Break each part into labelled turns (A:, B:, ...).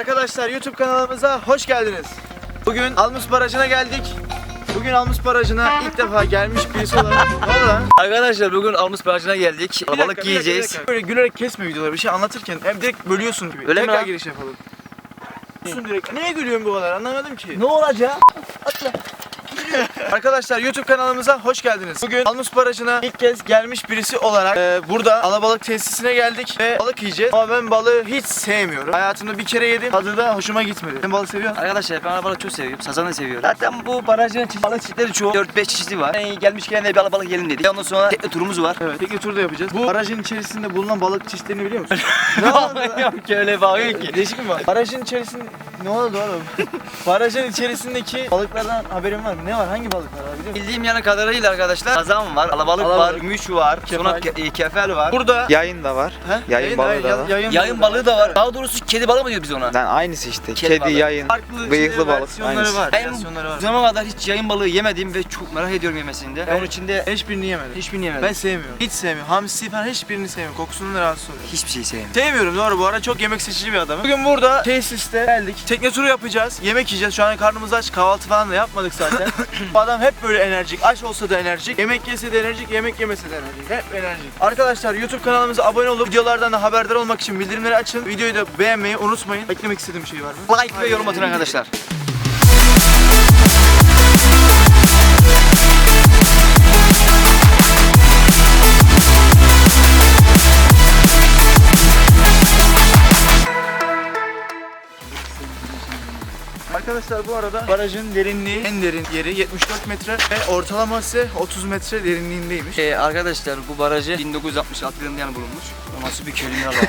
A: Arkadaşlar YouTube kanalımıza hoş geldiniz. Bugün Almus Barajı'na geldik. Bugün Almus Barajı'na ilk defa gelmiş birisi olarak. Ne oldu lan?
B: Arkadaşlar bugün Almus Barajı'na geldik.
A: Bir dakika,
B: Balık yiyeceğiz.
A: Böyle gülerek kesme videoları, bir şey anlatırken hem direkt bölüyorsun gibi.
B: Öyle mi
A: Tekrar
B: lan?
A: giriş yapalım. Direkt. Niye gülüyorsun bu kadar, anlamadım ki.
B: Ne olacak?
A: Arkadaşlar YouTube kanalımıza hoş geldiniz. Bugün Almus Barajı'na ilk kez gelmiş birisi olarak burada alabalık tesisine geldik ve balık yiyeceğiz. Ama ben balığı hiç sevmiyorum. Hayatımda bir kere yedim, tadı da hoşuma gitmedi. Sen balık seviyor musun?
B: Arkadaşlar ben alabalık çok seviyorum. Sazanı da seviyorum. Zaten bu barajın balık çeşitleri çoğu. 4-5 çeşidi var. Yani gelmişken de bir alabalık yiyelim dedik. Ondan sonra tekne turumuz var.
A: Evet, tekne turu da yapacağız. Bu barajın içerisinde bulunan balık çeşitlerini biliyor musun?
B: Ne bakıyor ki öyle bakıyor ki.
A: Değişik mi var? Barajın içerisinde... Ne oldu oğlum? Barajın içerisindeki balıklardan haberin var mı? Ne var? Hangi balıklar var biliyor musun?
B: Bildiğim yana kadarıyla arkadaşlar sazan var, alabalık var,
A: Alabalık.
B: gümüş var, sonra
A: Kefal.
B: kefal var.
A: Burada...
C: Yayın da var.
A: He?
C: Yayın balığı da var.
B: Yayın balığı da var. Daha doğrusu kedi balığı mı diyor biz ona?
C: Yani aynısı işte.
B: Kedi
C: Kedi,
B: balığı.
C: yayın,
A: Farklı
C: bıyıklı balık.
A: versiyonları
C: Aynısı.
A: var.
B: Ben
A: Versiyonları var.
B: bu zamana kadar hiç yayın balığı yemedim ve çok merak ediyorum yemesini de. Onun içinde
A: Hiçbirini yemedim.
B: hiçbirini yemedim.
A: Ben sevmiyorum. Hiç sevmiyorum. Hamsi falan hiçbirini sevmiyorum. Kokusundan rahatsız oluyorum.
B: hiçbir şey sevmiyorum.
A: Sevmiyorum doğru, bu ara çok yemek seçici bir adamım. Bugün burada tesiste geldik. Tekne turu yapacağız. Yemek yiyeceğiz. Şu an karnımız aç. Kahvaltı falan da yapmadık zaten. Bu adam hep böyle enerjik. Aç olsa da enerjik. Yemek yese de enerjik. Yemek yemese de enerjik. Hep enerjik. Arkadaşlar YouTube kanalımıza abone olup videolardan da haberdar olmak için bildirimleri açın. Videoyu da beğenmeyi unutmayın. Eklemek istediğim bir şey var mı?
B: Like ve yorum atın arkadaşlar.
A: Arkadaşlar bu arada barajın derinliği, en derin yeri 74 metre ve ortalaması 30 metre derinliğindeymiş.
B: Arkadaşlar bu barajı 1966 yılında yani bulunmuş. O nasıl bir kelime lan?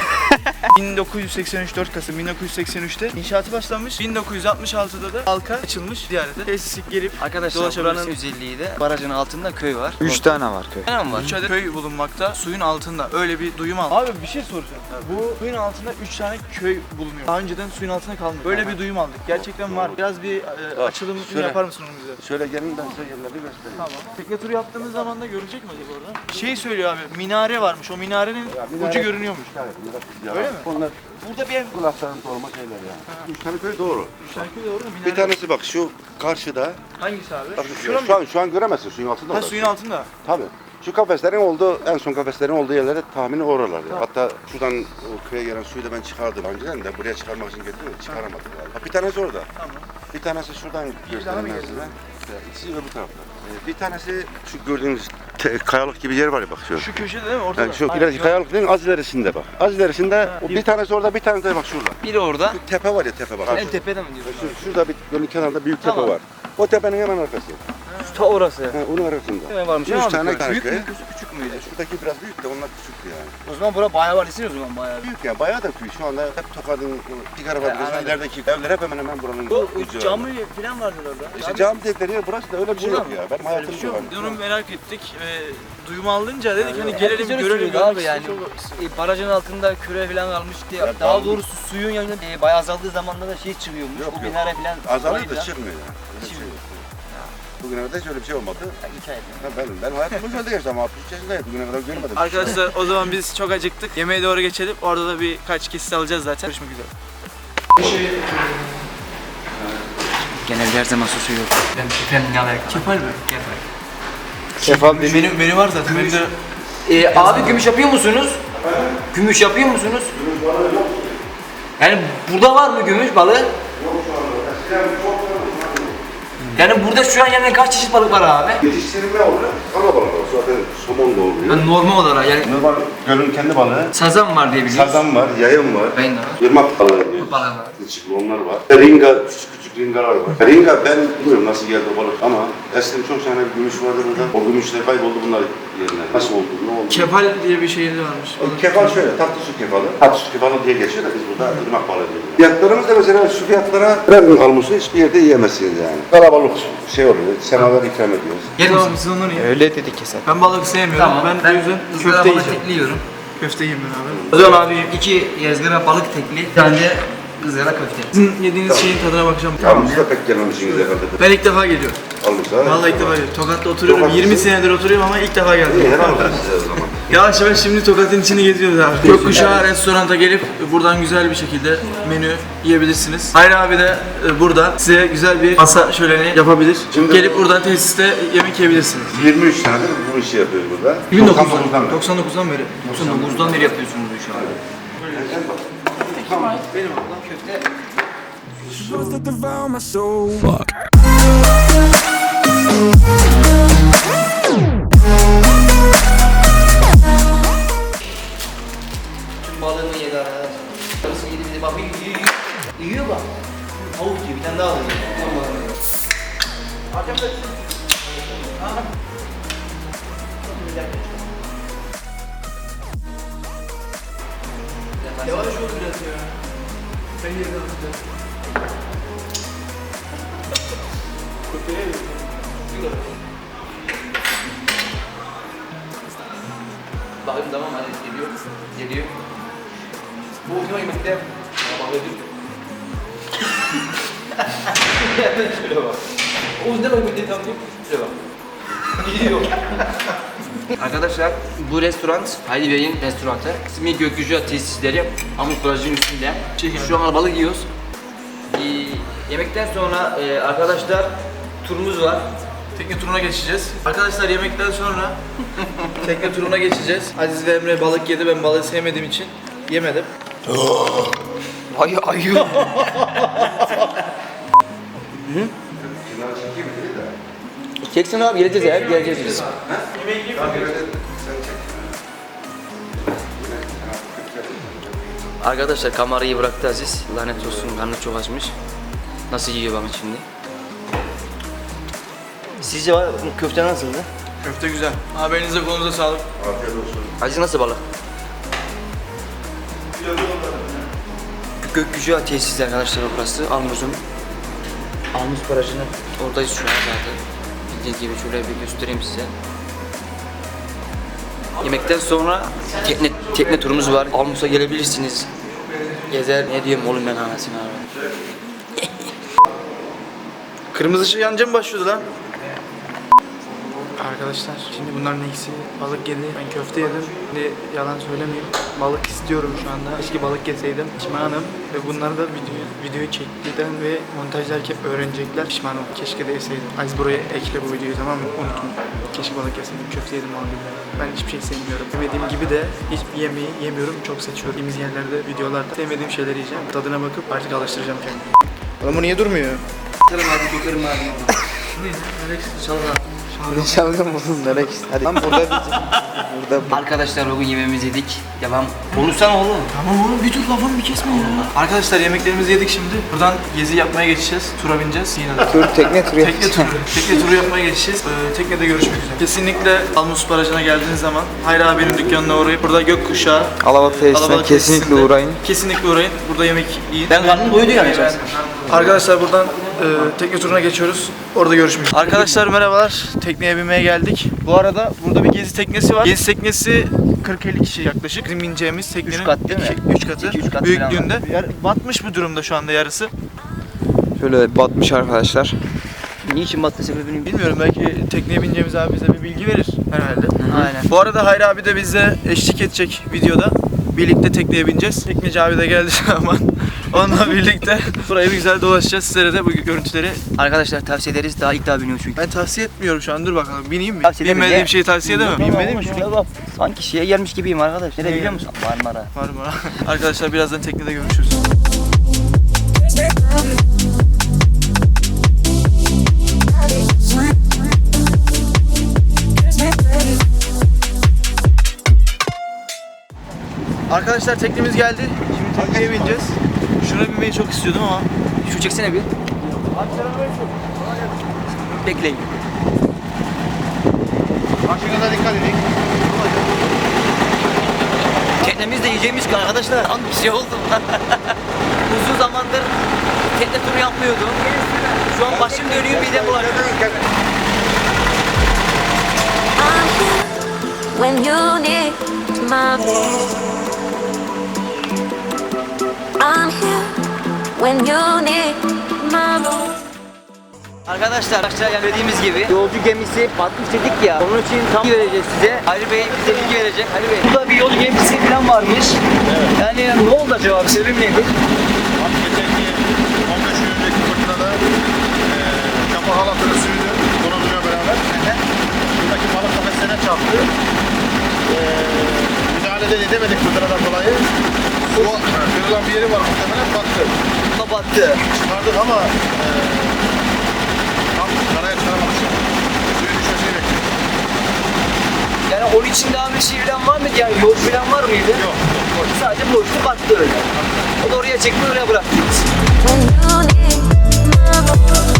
A: 1983 4 Kasım 1983'te inşaatı başlanmış. 1966'da da halka açılmış ziyarete. Tesisi gelip
B: Arkadaşlar buranın özelliği de barajın altında köy var.
C: 3 tane var köy.
B: Ne var?
A: 3 adet köy bulunmakta suyun altında. Öyle bir duyum aldım. Abi bir şey soracağım. Bu suyun altında 3 tane köy bulunuyor. Daha önceden suyun altında kalmıyor. Böyle bir duyum aldık. Gerçekten var. Biraz bir açılım
D: şöyle.
A: yapar mısın onu bize?
D: Şöyle gelin ben size yerleri göstereyim.
A: Tamam. Tekne turu yaptığımız zaman da görecek mi acaba orada? Şey söylüyor abi, minare varmış. O minarenin ucu görünüyormuş. Öyle mi?
D: Onlar
A: Burada bir ev.
D: kulakların dolma şeyler ya. 3 tane köy doğru.
A: Üç tane köy doğru mu? Minare.
D: Bir tanesi bak şu karşıda.
A: Hangisi abi?
D: Bak,
A: Şura mı?
D: şu an göremezsin suyun altında.
A: Ha,
D: orası.
A: suyun altında.
D: Tabii. Şu kafeslerin olduğu, en son kafeslerin olduğu yerlere tahmini oralar ya. Hatta şuradan o köye gelen suyu da ben çıkardım önceden de buraya çıkarmak için getirdim de çıkaramadım galiba. Bir tanesi orada.
A: Tamam.
D: Bir tanesi şuradan göstereyim ben size. İkisi öbür tarafta. Bir tanesi şu gördüğünüz kayalık gibi yer var ya bak şu.
A: Şu köşede değil mi? Ortada.
D: Yani şu
A: Aynen,
D: ileriki kayalık değil, az ilerisinde bak. Az ilerisinde o bir tanesi orada, bir tanesi de bak şurada.
B: Biri orada.
D: Şu tepe var ya tepe bak.
B: En tepede mi diyorsun?
D: Şurada bir gölün kenarında büyük tepe
B: Tamam.
D: var. O tepenin hemen arkası.
B: Ta orası.
D: Onun arasında.
B: Ne varmış?
D: Üç tane
B: Büyük
D: köy.
B: mü küçük müydü?
D: Şuradaki biraz büyük de onlar küçüktü yani.
B: O zaman bura bayağı var o zaman bayağı.
D: Büyük yani bayağı da büyük. Şu anda hep Tokat'ın Pigara Fabrikası'nın
B: anladım.
D: ilerideki evler hep hemen hemen buranın.
B: Bu
D: ucu.
B: cami falan vardı orada.
D: İşte cami dedikleri yer burası da öyle bir şey yok ya. Benim hayatım
A: Şu
D: yok.
A: biz onu merak ettik ve duyum alınca dedik hani gelelim
B: Herkes öyle
A: görelim
B: söylüyordu abi
A: görmek
B: yani.
A: istedik.
B: Barajın altında küre falan kalmış diye.
D: Ya
B: Daha
D: kaldı.
B: doğrusu suyun yanında bayağı azaldığı zamanda da şey çıkıyormuş.
D: Yok,
B: O
D: yok.
B: minare falan.
D: Azalıyor da
B: orayı
D: çıkmıyor yani. Öyle bir şey
B: Çıkmıyor.
D: yok. Bugüne kadar hiç öyle bir şey olmadı.
B: hikaye.
D: Ben hayatım boyunca geçti ama 63 yaşındayım. Bugüne kadar görmedim.
A: Arkadaşlar o zaman biz çok acıktık. Yemeğe doğru geçelim. Orada da birkaç kesit alacağız zaten. Görüşmek üzere.
B: Genelde her zaman susu yok. Ben şefem ne alakalı?
A: Kefal mi?
B: Kefal.
C: Kefal dediğin
A: Menü var zaten. Menüde
B: Abi gümüş yapıyor musunuz? Gümüş yapıyor musunuz? Yani burada var mı gümüş balığı? Yani burada şu an yani kaç çeşit balık var abi?
D: Yetiştirilme olarak ana balık var. Zaten somon da oluyor.
B: Yani normal olarak yani
D: Normal gölün kendi balığı.
B: sazan var diye biliyoruz.
D: Sazan var, yayın var.
B: Ben de var.
D: Irmak balığı diyoruz.
B: Balığı var.
D: Kılçıklı onlar var. Ringa, küçük ringalar var. Ringa ben bilmiyorum nasıl geldi o balık ama eskiden çok tane gümüş vardı burada. O gümüşler kayboldu bunlar yerine. Nasıl oldu, ne oldu?
A: kefal diye bir şey de varmış.
D: O kefal şöyle, tatlı su kefalı. Tatlı su kefalı diye geçiyor da biz burada ırmak balığı diyoruz. Fiyatlarımız da mesela şu fiyatlara her gün almışsın hiçbir yerde yiyemezsiniz yani. Kalabalık şey oluyor, semaver ikram ediyoruz.
B: Yer
A: Tamam
B: misin?
A: siz onları yiyin.
C: öyle dedi keser.
A: Ben balık sevmiyorum.
B: Tamam.
A: Ben o yüzden köfte yiyeceğim.
B: tekliyorum.
A: Köfte yiyeyim ben abi.
B: O zaman abi 2 ızgara balık tekli, bir tane de ızgara köfte.
A: Sizin yediğiniz şeyin tadına bakacağım.
D: Tamam, siz de pek gelmemişsiniz herhalde.
A: Ben ilk defa geliyorum.
D: Almışlar.
A: Vallahi ilk defa geliyorum. Tokat'ta oturuyorum.
D: Tokat
A: 20
D: mısın?
A: senedir oturuyorum ama ilk defa geldim.
D: İyi, helal olsun size o zaman.
A: Yavaş yavaş şimdi Tokat'ın içini geziyoruz abi. Gökkuşağı restoranta gelip buradan güzel bir şekilde menü yiyebilirsiniz. Hayri abi de burada size güzel bir masa şöleni yapabilir.
D: Şimdi
A: gelip buradan tesiste yemek yiyebilirsiniz.
D: 23 senedir bu işi yapıyoruz burada.
A: 1999'dan beri.
B: 99'dan beri yapıyorsunuz bu işi abi.
A: Benim ablam köfte.
B: Balığını yedi arkadaşlar. Karısı yedi bir de bak yiyor. Yiyor bak. Tavuk gibi bir tane daha alıyor.
A: Yavaş ol biraz ya. Ben yerine alacağım.
B: Bakayım tamam hadi geliyor. Geliyor. Bu ultima yemekte bakıyordum. Şöyle bak. O ultima yemekte tam değil. Şöyle bak. Gidiyor. Arkadaşlar bu restoran Hayri Bey'in restoranı. İsmi Gökkuşağı Tesisleri. Amut Barajı'nın üstünde. Şu an balık yiyoruz. Yemekten sonra arkadaşlar turumuz var.
A: Tekne turuna geçeceğiz. Arkadaşlar yemekten sonra tekne turuna geçeceğiz. Aziz ve Emre balık yedi. Ben balığı sevmediğim için yemedim.
B: Ayı.
D: Kenara çekeyim mi dedi de.
B: Çeksin abi geleceğiz ya. Geleceğiz biz. Arkadaşlar kamerayı bıraktı Aziz. Lanet olsun karnı çok açmış. Nasıl yiyor bakın şimdi. Sizce var bu köfte nasıldı?
A: Köfte güzel. Abi elinize kolunuza sağlık.
D: Afiyet olsun.
B: Aziz nasıl balık? Gökkuşağı tesisi arkadaşlar burası. Almuz'un. Almuz Barajı'nın oradayız şu an zaten. Bildiğiniz gibi şöyle bir göstereyim size. Yemekten sonra tekne turumuz var. Almuz'a gelebilirsiniz. Gezer ne diyeyim oğlum ben anasını abi.
A: Kırmızı ışık yanınca mı başlıyordu lan? Arkadaşlar şimdi bunların ikisi balık yedi. Ben köfte yedim. Şimdi yalan söylemeyeyim. Balık istiyorum şu anda. Keşke balık yeseydim. Pişmanım. Ve bunları da videoyu çektiğinden ve montajlarken öğrenecekler. Pişmanım. Keşke de yeseydim. Aziz buraya ekle bu videoyu, tamam mı? Unutma. Keşke balık yeseydim. Köfte yedim balık yedim. Ben hiçbir şey sevmiyorum. Sevmediğim gibi de hiçbir yemeği yemiyorum. Çok seçiyorum. Yediğimiz yerlerde, videolarda sevmediğim şeyleri yiyeceğim. Tadına bakıp artık alıştıracağım kendimi. Oğlum bu niye durmuyor?
B: Kırım abi. Çalın
C: Ne çalgın buldun Nerek? Hadi lan burada burada
B: Arkadaşlar bugün yemeğimizi yedik. Devam. Konuşsana oğlum.
A: Tamam oğlum bir dur lafımı bir kesme ya. Arkadaşlar yemeklerimizi yedik şimdi. Buradan gezi yapmaya geçeceğiz. Tura bineceğiz. Yine de.
C: tekne turu yapacağım.
A: Tekne turu yapmaya geçeceğiz. Teknede görüşmek üzere. Kesinlikle Almus Barajı'na geldiğiniz zaman Hayri abinin dükkanına uğrayıp burada Gökkuşağı
C: Alabat tesisine
A: Alabalık
C: kesinlikle
A: tesisinde
C: uğrayın.
A: Kesinlikle uğrayın. Burada yemek yiyin.
B: Ben karnım doydu yani.
A: Arkadaşlar buradan tekne turuna geçiyoruz. Orada görüşmek üzere. Arkadaşlar merhabalar. Tekneye binmeye geldik. Bu arada burada bir gezi teknesi var. Gezi teknesi 40-50 kişi yaklaşık. Bizim bineceğimiz teknenin
B: 3 kat değil mi?
A: 3 katı.
B: 2-3 kat
A: Büyüklüğünde. Batmış bir durumda şu anda yarısı.
C: Şöyle batmış arkadaşlar.
B: Niçin battı sebebini
A: Bilmiyorum, belki tekneye bineceğimiz abi bize bir bilgi verir herhalde.
B: Aynen.
A: Bu arada Hayri abi de bize eşlik edecek videoda. Birlikte tekneye bineceğiz. Tekneci abi de geldi zaman. Onunla birlikte burayı bir güzel dolaşacağız. Sizlere de bu görüntüleri
B: Arkadaşlar tavsiye ederiz. Daha ilk daha biniyor çünkü.
A: ben tavsiye etmiyorum şu an. Dur bakalım. Bineyim mi?
B: Tavsiye ederim
A: Bilmediğim
B: ya.
A: şeyi tavsiye edemem. Bilmediğim
B: Ama şuraya bak. Sanki şeye gelmiş gibiyim arkadaş. Nereye biliyor musun? Marmara.
A: var mı? Arkadaşlar birazdan teknede görüşürüz. Arkadaşlar teknemiz geldi. Şimdi tekneye bineceğiz. Şuna binmeyi çok istiyordum ama.
B: Şu çeksene bir. Bekleyin.
D: Makinede dikkat edin.
B: Teknemizde yiyeceğimiz ki arkadaşlar. An bir şey oldu. Uzun zamandır tekne turu yapmıyordum. Şu an başım dönüyor midem bulanıyor.
E: When you need my I'm here when you need my
B: Arkadaşlar aşağıya dediğimiz gibi yolcu gemisi batmış dedik ya. Onun için tam bilgi vereceğiz size. Ali Bey bize bilgi verecek. Ali Bey. Burada bir yolcu gemisi falan varmış. Yani ne oldu acaba? Sebep nedir?
F: Geçenki 15 gün önceki fırtınada kafa halatını sürdü konusuyla beraber. Buradaki balık kafesine çarptı. Müdahale de edemedik fırtınadan dolayı. Su kırılan bir yeri var muhtemelen battı.
B: Kapattı.
F: Çıkardık ama tam karaya çıkaramadık. Suyun düşmesini bekliyoruz.
B: Yani onun için daha bir şey falan var mıydı? Yani yol falan var mıydı?
F: Yok.
B: Sadece boştu battı öyle. O da oraya çekti oraya bıraktı.
E: When you need my voice.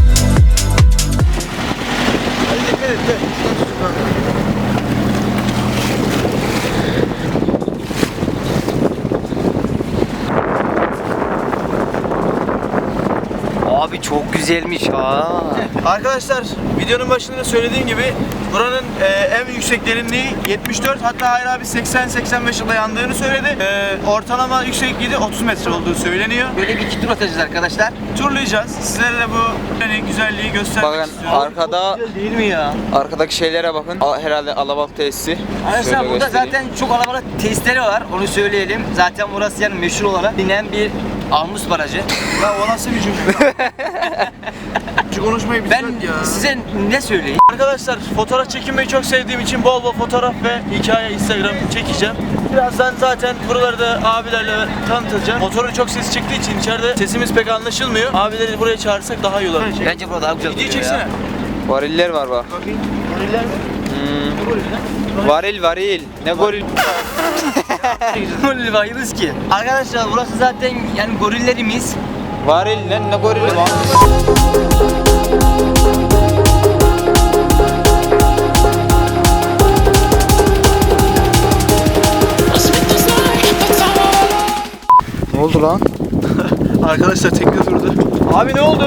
A: Hadi dikkat et de.
B: Abi çok güzelmiş ha.
A: Arkadaşlar videonun başında da söylediğim gibi buranın en yüksek derinliği 74, hatta Hayri abi 80-85 yılda yandığını söyledi. Ortalama yüksekliği de 30 metre olduğu söyleniyor.
B: Böyle bir iki tur atacağız arkadaşlar.
A: Turlayacağız. Sizlere de bu güzelliği göstermek
C: Bakın
A: istiyorum.
C: arkada,
B: Güzel değil mi ya?
C: arkadaki şeylere bakın. Herhalde alabalık tesisi.
B: Arkadaşlar
C: Şöyle
B: burada
C: göstereyim.
B: zaten çok alabalık tesisleri var. Onu söyleyelim. Zaten burası yani meşhur olarak bilinen bir Almus Barajı.
A: Ya o nasıl bir cümle? Şu konuşmayı
B: Ben
A: bitirdik ya.
B: size ne söyleyeyim?
A: Arkadaşlar fotoğraf çekinmeyi çok sevdiğim için bol bol fotoğraf ve hikaye Instagram çekeceğim. Birazdan zaten buraları da abilerle tanıtacağım. Motorun çok sesi çıktığı için içeride sesimiz pek anlaşılmıyor. Abileri buraya çağırsak daha iyi olur.
B: Bence burada daha güzel
A: Videoyu
B: duruyor
A: çeksene.
B: ya.
C: Variller var bak.
A: Bakayım. Goriller mi? Ne goriller?
C: Varil varil. Ne goril?
B: Goril bayılırız ki. Arkadaşlar burası zaten yani gorillerimiz.
C: Varil lan ne gorili lan? Ne oldu lan?
A: Arkadaşlar tekne durdu. Abi ne oldu?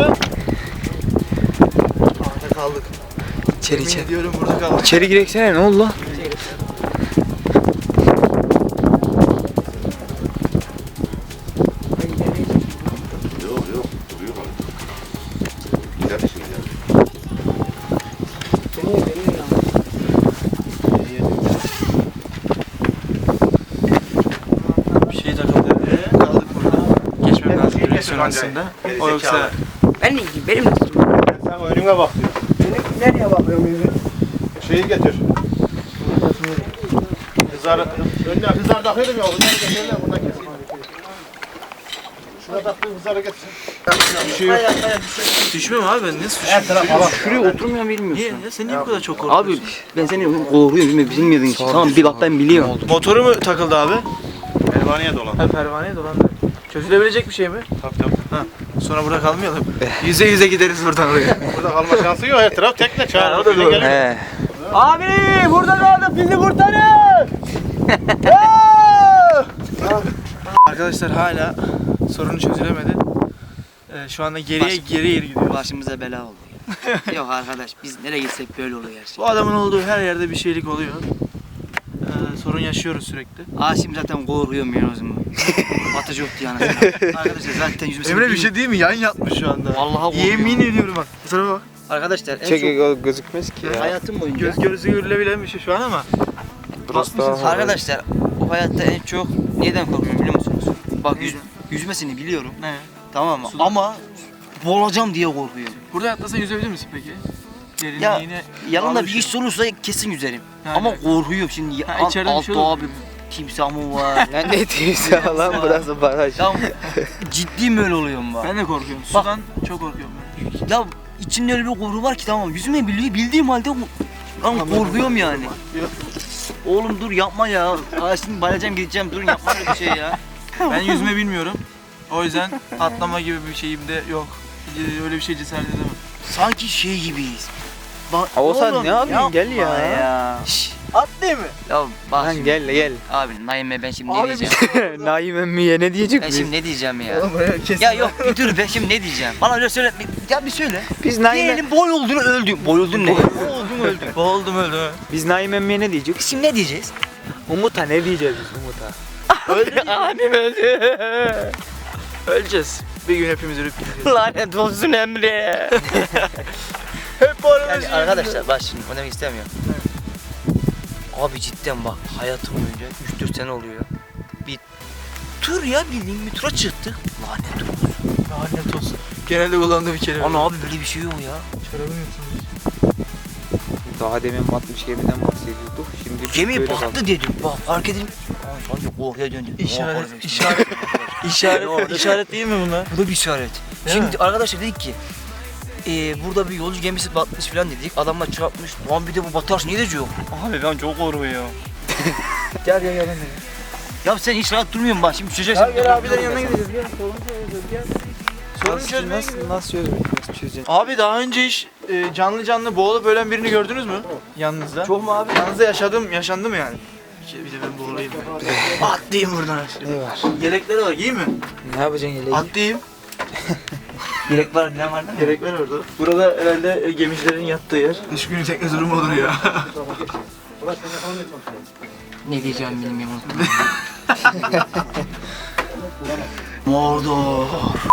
A: Orada kaldık.
C: İçeri
A: Yemin
C: içeri.
A: ediyorum burada kaldık.
C: İçeri gireksene ne oldu lan?
D: Yok yok. Duruyor balık. Gider şimdi yani.
A: Bir şey takıldı. Kaldık burada. Geçmem lazım direksiyon aslında. O yoksa
B: Ben ne diyeyim? Benim nasıl?
F: Sen önüne bak diyor.
B: Nereye bakıyorum yüzü?
F: Şeyi getir. Önüne hızar takıyordum ya. Hızarı getirler buradan keseyim. Şuna taktığım hızarı getirsin.
A: düşmüyor mu abi, ben nasıl düşüyorum?
F: Her taraf hava.
B: Şuraya oturmayan bilmiyorsun.
A: Niye? Ya sen niye bu kadar çok korkuyorsun?
B: Abi ben seni korkuyorum bilmiyordun ki. Tamam bir bak ben biliyorum.
A: Motoru mu takıldı abi?
F: Pervaneye dolan.
A: Ha, pervaneye dolandı. Çözülebilecek bir şey mi?
F: Tabii tabii.
A: Ha. Sonra burada kalmayalım. Yüze yüze gideriz buradan oraya.
F: Burada kalma şansı yok. Her taraf tekne
A: Ha,
F: çağır.
A: o da doğru.
C: He.
A: Abi burada kaldık, bizi kurtarın. Arkadaşlar hala sorunu çözülemedi. Şu anda geri gidiyoruz.
B: Başımıza bela oldu ya. Yok arkadaş biz nereye gitsek böyle oluyor her şey.
A: Bu adamın olduğu her yerde bir şeylik oluyor. Sorun yaşıyoruz sürekli.
B: Şimdi zaten korkuyorum ya o zaman. Batıcı yoktu yani. Arkadaşlar zaten yüzümüzü
A: Emre bir şey değil mi? Yan yatmış şu anda.
B: Vallahi korkuyorum.
A: Yemin ediyorum bak. Bu tarafa bak.
B: Arkadaşlar en
C: Çek
B: çok
C: gözükmez ki ya.
B: hayatım boyunca
A: Göz gözü görülebilen bir şey şu an ama.
C: Burası daha
B: arkadaşlar bu hayatta en çok neden korkuyorum biliyor musunuz? Bak yüzmesini biliyorum.
A: Ne?
B: Tamam mı?
A: Suda.
B: Ama boğulacağım diye korkuyorum.
A: Burada atlasan yüzebilir misin peki?
B: Ya
A: Derinliğine
B: yanımda bir
A: alışın.
B: iş olursa kesin yüzerim.
A: Ha,
B: Ama
A: evet.
B: korkuyorum şimdi.
A: Ha, içeride bir
B: Altta
A: şey olur.
B: abi timsah mı var?
C: Lan ne diyorsun lan burası baraj.
B: Ya ciddi böyle oluyorum bak.
A: Ben de korkuyorum.
B: Bak.
A: Sudan çok korkuyorum ben.
B: Ya içimde öyle bir korku var ki tamam yüzme bildiğim halde lan korkuyorum yani. Oğlum dur yapma ya. Şimdi bayılacağım gideceğim dur yapma öyle bir şey ya.
A: Ben yüzme bilmiyorum. O yüzden atlama gibi bir şeyim de yok. Öyle bir şey cesaret edemem.
B: Sanki şey gibiyiz. Bak,
C: Oğuzhan,
B: oğlum,
C: ne yapıyorsun? Gel ya.
B: yapma ya. Şşş.
A: Atlayayım mı?
B: Ya bak
C: Lan
B: şimdi.
C: gel gel.
B: Abi Naime ben şimdi ne
A: Abi
B: diyeceğim?
C: Naim emmiye ne diyecek
B: Ben
C: biz?
B: şimdi ne diyeceğim ya?
A: Kesin.
B: Ya yok bir dur ben şimdi ne diyeceğim? Bana öyle söyle. Ya bir söyle.
C: Biz Naim
B: Diyelim boy olduğunu öldüm. Boy oldun ne? Boğuldum öldüm.
A: Boğuldum öldüm.
C: Biz Naim emmiye ne diyecek?
B: Şimdi ne diyeceğiz?
C: Umut'a ne diyeceğiz biz Umut'a?
A: Öldü.
C: Abim öldü.
A: Öleceğiz. Bir gün hepimiz ölüp gideceğiz.
B: Lanet olsun Emre.
A: Hep bu arada
B: Yani arkadaşlar bak şimdi o demek istemiyorum. Abi cidden bak hayatım boyunca 3-4 sene oluyor. Bir tur ya bildiğin bir tura çıktık. Lanet olsun.
A: lanet olsun. Genelde kullandığım bir kelime.
B: Ana abi böyle bir şey yok ya.
A: Çorabım yırtılmış.
C: Daha demin batmış gemiden bahsediyorduk. Şimdi
B: Gemi
C: böyle
B: battı dedim. Bak fark edin. Aa, sanki korkuya döndüm.
A: İşaret değil mi bunlar?
B: Bu da bir işaret.
A: Değil
B: Şimdi arkadaşlar dedik ki burada bir yolcu gemisi batmış falan dedik. Adamlar çarpmış. Lan bir de bu batarsa ne diyecek?
A: Abi ben çok korkuyorum.
C: Gel gel gel.
B: Ya sen hiç rahat durmuyorsun bak şimdi düşeceksin.
A: Gel abilerin yanına gideceğiz. Gel sorun çözeceğiz. Gel. Sorun çözmeye gidiyoruz.
C: Nasıl çözeceksin?
A: Abi daha önce hiç canlı boğulup ölen birini gördünüz mü? Yanınızda.
B: Çok mu abi?
A: Yanınızda yaşandı mı yani? Bir de ben boğulayım. Atlayayım buradan.
C: Ne var?
A: Yelekleri var, giyeyim mi?
C: Ne yapacaksın yeleği?
A: Atlayayım.
B: Yelek var ne var değil mi?
A: Yelekler orada. Burada herhalde gemicilerin yattığı yer. Kış günü tekne durumu olur ya.
B: Ne diyeceğim benim yaman.
A: Mordor.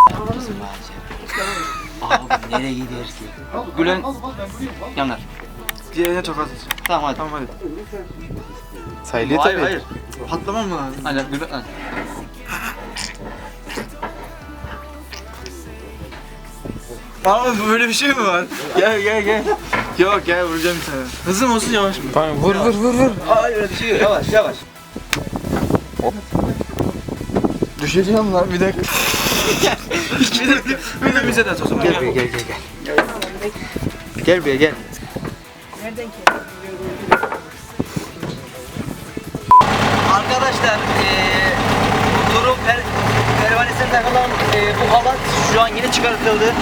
B: Abi nereye gider ki? Gülen yanar.
A: Diğerine tokat at.
B: Tamam hadi.
A: Tamam hadi.
C: Sayılıyor
A: Hayır
C: tabii.
A: hayır. Patlamam mı lazım?
B: Hadi Gülen hadi.
A: Abi böyle bir şey mi var? Gel. Yok gel vuracağım bir tane. Hızlı mı olsun yavaş mı?
C: Tamam vur.
B: Hayır öyle bir şey yok. Yavaş.
A: Düşeceğim lan bir dakika. bir de bize de at o zaman.
C: Gel buraya gel. Gel buraya gel.
B: Arkadaşlar durum pervanesine takılan bu halat şu an yeni çıkartıldı.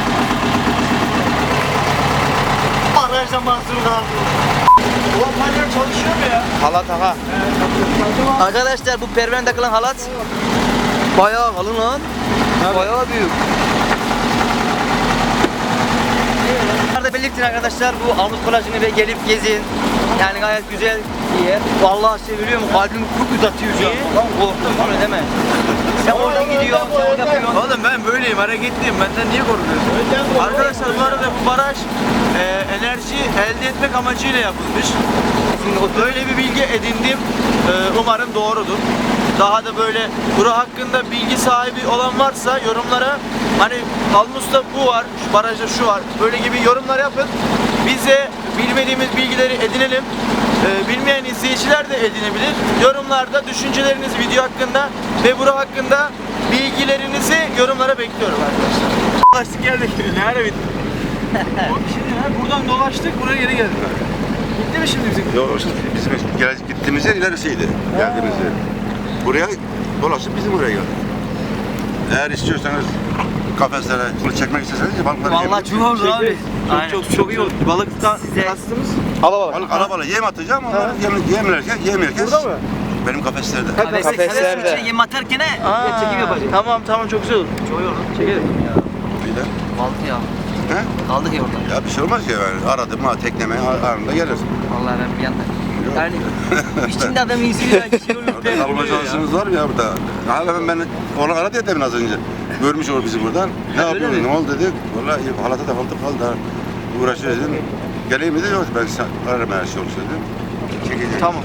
B: Arkadaşlar mahsur kaldı.
A: Ulan panyer çalışıyor mu ya?
C: Halat aha.
B: Arkadaşlar bu pervane takılan halat bayağı kalın lan. Bayağı büyük. Burada belirtin arkadaşlar bu Almus plajını ve gelip gezin. Yani gayet güzel bir yer. Vallahi seviliyorum. Kalbimi kurt atıyor şu an. Lan korktum onu deme. Sen oradan gidiyorsun, sen orada yapıyorsun.
A: Oğlum ben böyleyim, hareketliyim. Benden niye korkuyorsun? Arkadaşlar bu arada bu baraj enerji elde etmek amacıyla yapılmış. Böyle bir bilgi edindim. Umarım doğrudur. Daha da böyle bura hakkında bilgi sahibi olan varsa yorumlara hani Almus'ta bu var, şu barajda şu var. Böyle gibi yorumlar yapın. Biz de bilmediğimiz bilgileri edinelim. Bilmeyen izleyiciler de edinebilir. Yorumlarda düşünceleriniz video hakkında ve bura hakkında bilgilerinizi yorumlara bekliyorum arkadaşlar. Dolaştık geldik. Ne ara bitti? Şimdi buradan dolaştık, buraya geri geldik. Bitti mi şimdi bizim?
D: Yok işte bizim gittiğimiz yer ilerisiydi. Geldiğimiz yer. Buraya dolaşıp bizim buraya geldik. Eğer istiyorsanız kafeslere bunu çekmek isteseniz balıkları
B: Vallahi çok olur abi.
A: Çok iyi oldu. Balıktan
B: Size-
A: kastımız.
D: Balık arabalı yem atacağım onlar yemlerken
A: Burada mı?
D: benim kafeslerde.
C: Kafeslerde.
B: Yem atarken çekim yapacağız.
A: Tamam çok güzel olur.
B: Çok iyi olur.
A: Çekelim.
D: Bir de.
B: Kaldık ya.
D: He?
B: Kaldık ya orada.
D: Ya bir şey olmaz ya yani aradım ha tekneme anında gelir.
B: Vallahi ben bir yanda. Yani içinde adam iyisi bir şey olur.
D: Orada kalma şansınız var mı ya burada? Hala ben onu aradı ya demin az önce. Görmüş olur bizi buradan. Ne yapıyorsun? Ne oldu dedi. Vallahi halata takıldık kaldı. Ha. Uğraşıyor dedim. Geleyim dedi. Yok ben ararım her şey olursa dedim. Çekeceğim.
A: Tamam.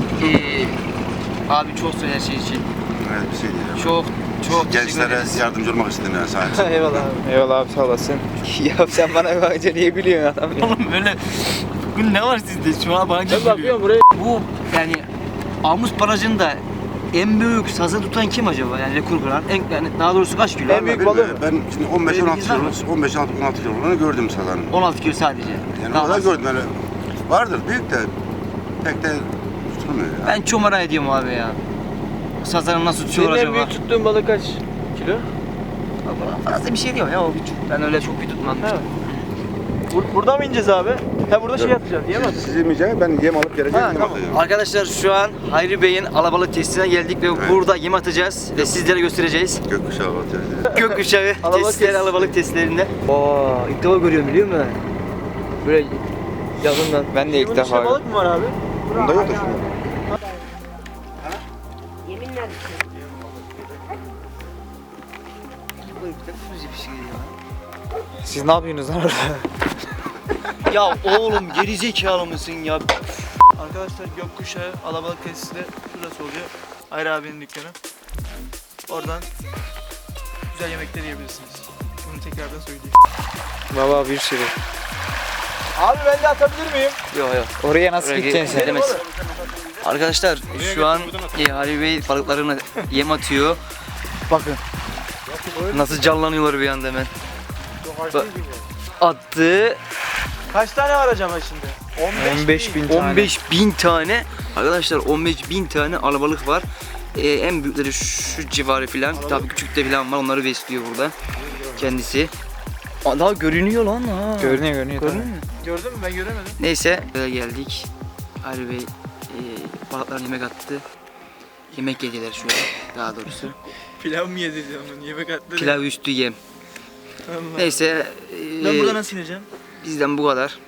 B: Abi çok söyle her şey için.
D: Evet bir şey diyeceğim.
B: Çok teşekkür
D: Gençlere
B: ederiz.
D: yardımcı olmak istedim yani sahip.
A: Eyvallah abi.
C: Eyvallah abi sağ olasın. Ya sen bana bakınca niye gülüyorsun adam ya?
B: Oğlum böyle bugün ne var sizde? Şu an bana
A: Ben bakıyorum buraya.
B: Bu yani Almus Barajı'nda en büyük sazı tutan kim acaba? Yani rekor kıran. Yani daha doğrusu kaç kilo?
A: En büyük balığı mı?
D: Ben şimdi 15-16 kilolunu gördüm sazanın.
B: 16 kilo sadece.
D: Yani
B: Daha
D: o da
B: az.
D: gördüm öyle. Vardır büyük de pek de tutulmuyor ya.
B: Ben çok merak ediyorum abi ya. Sazanı nasıl tutuyor
A: Senin en
B: acaba?
A: büyük tuttuğun balık kaç kilo?
B: Fazla bir şey diyorum ya o küçük. Ben öyle çok bir tutmam.
A: Evet. Burada mı ineceğiz abi? Ha burada şey yapacağız. Yemez.
D: Siz yemeyeceğim, ben yem alıp geleceğim,
A: Ha,
D: yem
A: tamam.
D: atacağım.
B: Arkadaşlar şu an Hayri Bey'in alabalık testine geldik ve
D: Evet.
B: burada yem atacağız ve sizlere göstereceğiz.
D: Gökkuşağı atacağız.
B: Gökkuşağı
A: Alabalık
B: testleri,
A: testi.
B: alabalık testlerinde. İlk defa görüyorum biliyor musun? Böyle yakından.
C: Ben de ilk
A: Bunun
C: defa.
A: içinde balık mı var abi?
D: Bunda yok da şurada.
C: Siz ne yapıyorsunuz lan orada?
A: Ya oğlum gerizekalı mısın ya? Arkadaşlar gökkuşağı alabalık tesisi de şurası oluyor. Hayri abinin dükkanı. Oradan güzel yemekler yiyebilirsiniz. Bunu tekrardan söyleyeyim.
C: Baba bir sürü.
A: Abi ben de atabilir miyim?
B: Yok yok.
C: Oraya nasıl gideceksin sen?
B: Gidemez. Arkadaşlar şu an Ali Bey balıklarına yem atıyor. Bakın. Nasıl canlanıyorlar bir anda hemen. Attı.
A: Kaç tane var acaba şimdi?
C: 15.000 tane.
B: 15.000 tane. Arkadaşlar 15.000 tane alabalık var. En büyükleri şu civarı filan. Tabii küçük de filan var. Onları besliyor burada. Kendisi. Aa, daha görünüyor lan ha.
C: Görünüyor.
B: Görünüyor mu?
A: Gördün mü? Ben göremedim.
B: Neyse geldik. Ali Bey balıklarına yemek attı. Yemek yediler şu an daha doğrusu.
A: Pilav mı yedireceğim bunu? Yemek atları.
B: Pilav üstü yem.
A: Allah.
B: Neyse
A: Ben burada nasıl ineceğim?
B: bizden bu kadar.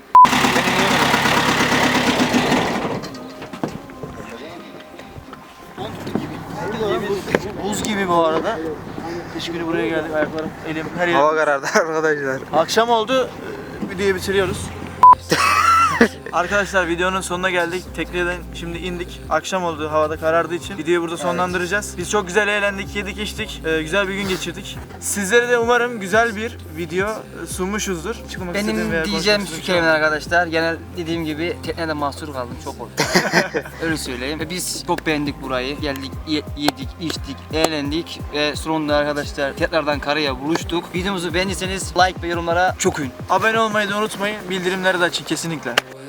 A: Buz gibi bu arada. Kış günü buraya geldik. Ayaklarım, elim, her yerim.
C: Hava karardı arkadaşlar.
A: Akşam oldu. Videoyu bitiriyoruz. Arkadaşlar videonun sonuna geldik. Tekneden şimdi indik. Akşam oldu, havada karardığı için videoyu burada sonlandıracağız. Biz çok güzel eğlendik, yedik, içtik. Güzel bir gün geçirdik. Sizlere de umarım güzel bir video sunmuşuzdur. Çıkmak istediğim
B: Benim
A: veya
B: diyeceğim
A: konuşmak
B: şu
A: istediğim
B: kelimeler arkadaşlar. Genel dediğim gibi teknede mahsur kaldım. Çok oldu. Öyle söyleyeyim. Ve biz çok beğendik burayı. Geldik, yedik, içtik, eğlendik. Ve sonunda arkadaşlar tekrardan karaya buluştuk. Videomuzu beğendiyseniz like ve yorumlara çok ün.
A: Abone olmayı da unutmayın. Bildirimleri de açın kesinlikle.